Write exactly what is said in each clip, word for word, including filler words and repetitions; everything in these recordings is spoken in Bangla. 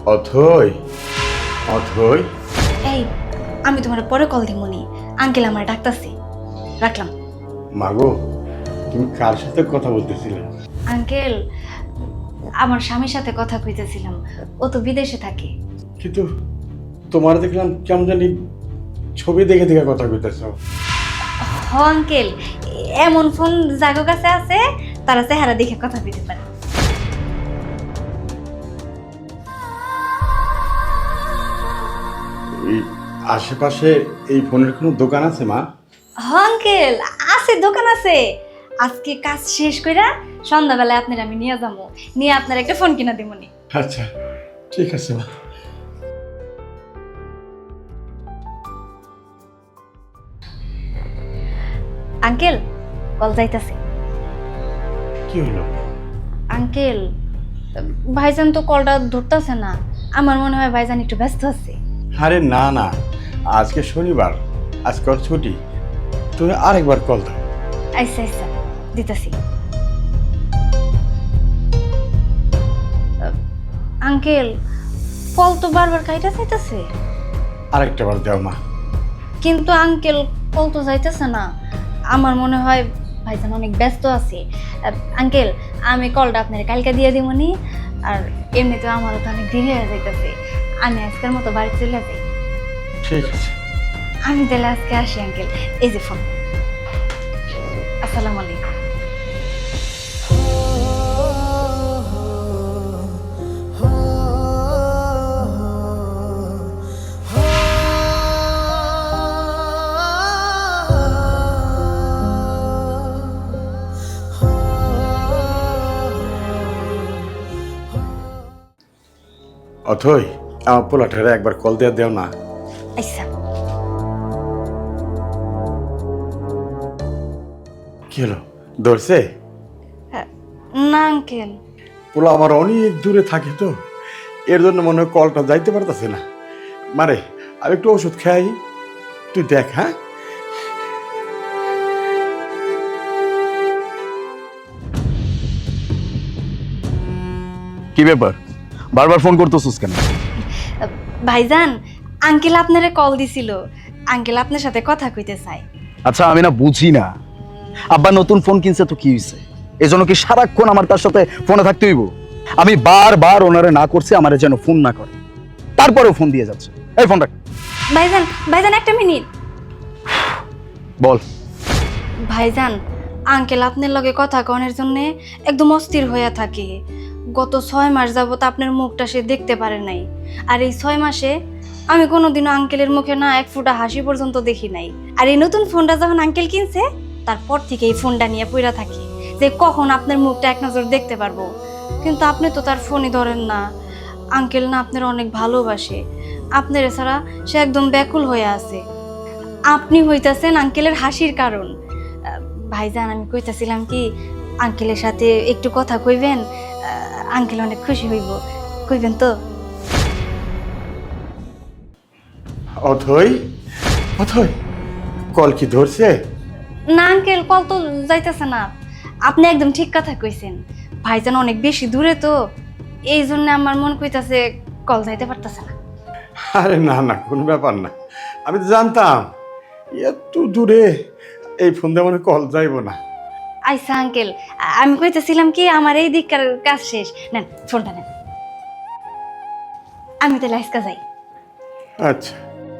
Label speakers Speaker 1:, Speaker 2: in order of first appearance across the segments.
Speaker 1: অথই, অথই।
Speaker 2: এই, আমি তোমার পরে কল দিমুনি। আঙ্কেল আমার ডাকতাছে, রাখলাম।
Speaker 1: মাগো, তুমি কার সাথে কথা বলতেছিলে?
Speaker 2: আঙ্কেল, আমার স্বামীর সাথে কথা কইতেছিলাম। ও তো বিদেশে থাকে।
Speaker 1: কিন্তু তোমার দেখলাম কেমন জানি ছবি দেখে দেখে কথা কইতেছ।
Speaker 2: হ আঙ্কেল, এমন ফোন জাগো কাছে আছে, তারা চেহারা দেখে কথা কইতে পারে।
Speaker 1: এই আশেপাশে এই ফোনের কোনো দোকান আছে মা?
Speaker 2: হ আঙ্কেল, আছে, দোকান আছে। আজকে কাজ শেষ কইরা সন্ধ্যাবেলায় আপনার আমি নিয়ে যাবো, নিয়ে আপনার একটা ফোন কিনা দিমুনি।
Speaker 1: আচ্ছা, ঠিক আছে মা।
Speaker 2: আঙ্কেল, কল যাইতাছে।
Speaker 1: কি হলো?
Speaker 2: আঙ্কেল, ভাইজান তো কলটা ধরতেছে না। আমার মনে হয় ভাইজান একটু ব্যস্ত আছে।
Speaker 1: আরে না না, আজকে শনিবার, আজকে ওর ছুটি। তুমি আরেকবার কল দাও।
Speaker 2: আচ্ছা আচ্ছা, দিতেছি। আঙ্কেল, কল তো বারবার কাইটা যাইতেছে।
Speaker 1: আরেকটা বার দাও মা।
Speaker 2: কিন্তু আঙ্কেল, কল তো যাইতেছে না। আমার মনে হয় ভাইজান অনেক ব্যস্ত আছে। আঙ্কেল, আমি কলটা আপনার কালকে দিয়ে দিবনি। আর এমনিতেও আমারও তো অনেক দেরি হয়ে যাইতেছে। আমি আজকের মতো বাড়ি চলে যাই।
Speaker 1: ঠিক আছে।
Speaker 2: আমি তাহলে আজকে আসি আঙ্কেল। এই যে ফোন। আসসালামু আলাইকুম।
Speaker 1: অথই, আমার পোলাটারে একবার কল দিয়ে দেও না।
Speaker 2: আচ্ছা।
Speaker 1: কি হলো, ধরছে?
Speaker 2: না আঙ্কেল।
Speaker 1: পোলা আমার অনেক দূরে থাকে তো, এর জন্য মনে হয় কলটা যাইতে পারতেছে না। মারে, আমি একটু ওষুধ খাই, তুই দেখ। হ্যাঁ,
Speaker 3: কি ব্যাপার, বারবার ফোন করতেছিস কেন?
Speaker 2: ভাইজান, আঙ্কেল আপনারে কল দিছিল। আঙ্কেল আপনার সাথে কথা কইতে চাই।
Speaker 3: আচ্ছা, আমি না বুঝি না, আব্বা নতুন ফোন কিনছে তো কি হইছে? এজন্য কি সারাক্ষণ আমার তার সাথে ফোনে থাকতে হইব? আমি বারবার ওনারে না করছি আমারে যেন ফোন না করে, তারপরেও ফোন দিয়ে যাচ্ছে। এই ফোন রাখ।
Speaker 2: ভাইজান, ভাইজান একটা মিনিট।
Speaker 3: বল।
Speaker 2: ভাইজান, আঙ্কেল আপনার লগে কথা কনের জন্য একদম অস্থির হইয়া থাকে। গত ছয় মাস যাবত আপনার মুখটা সে দেখতে পারে নাই। আর এই ছয় মাসে আমি কোনোদিনও আঙ্কেলের মুখে না এক ফোঁটা হাসি পর্যন্ত দেখি নাই। আর এই নতুন ফোনটা যখন আঙ্কেল কিনছে, তারপর থেকে এই ফোনটা নিয়ে পইরা থাকি যে কখন আপনার মুখটা এক নজর দেখতে পারবো। কিন্তু আপনি তো তার ফোনই ধরেন না। আঙ্কেল না আপনার অনেক ভালোবাসে। আপনার ছাড়া সে একদম ব্যাকুল হয়ে আছে। আপনি হইতাছেন আঙ্কেলের হাসির কারণ। ভাইজান, আমি কইতাছিলাম কি, আঙ্কেলের সাথে একটু কথা কইবেন? আঙ্কেল অনেক খুশি হইব। কইবেন তো?
Speaker 1: অথই, অথই, কল কি ধরছে?
Speaker 2: না আঙ্কেল, কল তো যাইতেছে না। আপনি একদম ঠিক কথা কইছেন। ভাইজান অনেক বেশি দূরে তো, এই জন্য আমার মন কইতাছে কল যাইতে পারতেছে না।
Speaker 1: আরে না না, কোনো ব্যাপার না। আমি তো জানতাম এত দূরে এই ফোন দিয়ে মনে হয় কল যাইব না।
Speaker 2: আইসা আঙ্কেল, আমি কইতেছিলাম কি, আমার এই দিককার কাজ শেষ। নেন ফোনটা নেন। আমি তাহলে আজকা যাই।
Speaker 1: আচ্ছা।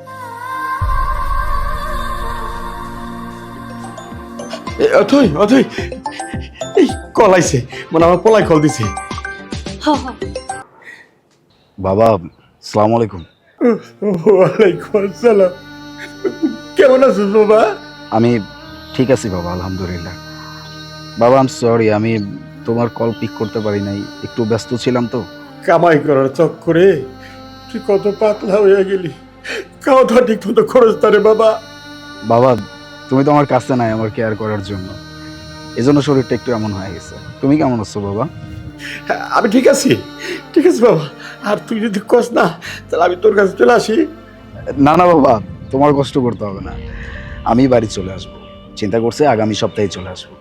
Speaker 1: এ, অথই, অথই, এই কল আইছে, মানে আমার পোলাই কল দিছে।
Speaker 2: হ হ।
Speaker 3: বাবা, আসসালামু আলাইকুম।
Speaker 1: ওয়ালাইকুম আসসালাম। কেমন আছিস বাবা?
Speaker 3: আমি ঠিক আছি বাবা, আলহামদুলিল্লাহ। বাবা, আম সরি, আমি তোমার কল পিক করতে পারি নাই, একটু ব্যস্ত ছিলাম তো।
Speaker 1: কামাই করার চক্করে তুই কত পাতলা হয়ে গেলি, খাওয়া দাওয়া ঠিক মতো খরচ তারে বাবা।
Speaker 3: বাবা, তুমি তো আমার কাছে নাই আমার কেয়ার করার জন্য, এজন্য শরীরটা একটু এমন হয়ে গেছে। তুমি কেমন আছো বাবা?
Speaker 1: হ্যাঁ, আমি ঠিক আছি, ঠিক আছে বাবা। আর তুই যদি কস না, তাহলে আমি তোর কাছে চলে আসি।
Speaker 3: না না বাবা, তোমার কষ্ট করতে হবে না, আমি বাড়ি চলে আসবো। চিন্তা করছে আগামী সপ্তাহে চলে আসবো।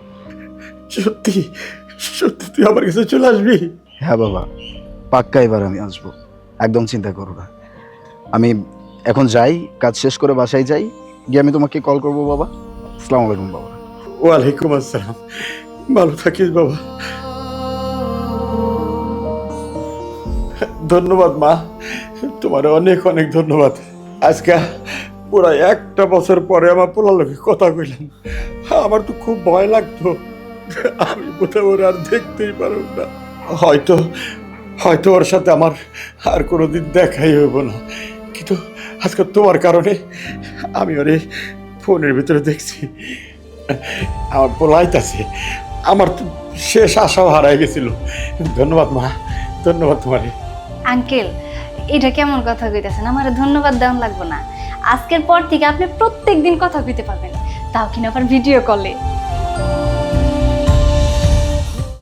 Speaker 1: সত্যি সত্যি তুই আমার কাছে চলে আসবি?
Speaker 3: হ্যাঁ বাবা, পাক্কা এবার আমি আসবো। একদম চিন্তা করো না। আমি এখন যাই, কাজ শেষ করে বাসায় যাই, গিয়ে আমি তোমাকে কল করবো বাবা। আসসালামু আলাইকুম বাবা।
Speaker 1: ওয়ালাইকুম আসসালাম। ভালো থাকিস বাবা। ধন্যবাদ মা, তোমার অনেক অনেক ধন্যবাদ। আজকে পুরা একটা বছর পরে আমার পোলার লোকে কথা কইলাম। আমার তো খুব ভয় লাগতো, আমি কোথাও ওর আর দেখতেই পারব না। হয়তো হয়তো ওর সাথে আমার আর কোনোদিন দেখাই হইব না, কিন্তু আজকে তোমার কারণে আমি ওরে ফোনের ভিতরে দেখছি। আমার পোলাইতাছে, আমার তো শেষ আশাও হারাই গেছিল। ধন্যবাদ মা, ধন্যবাদ তোমারে।
Speaker 2: আঙ্কেল, এটা কেমন কথা কইতেছেন? আমার ধন্যবাদ দেওয়া লাগবে না। আজকের পর থেকে আপনি প্রত্যেক দিন কথা কইতে পারবেন, তাও কিনা আবার ভিডিও কলে।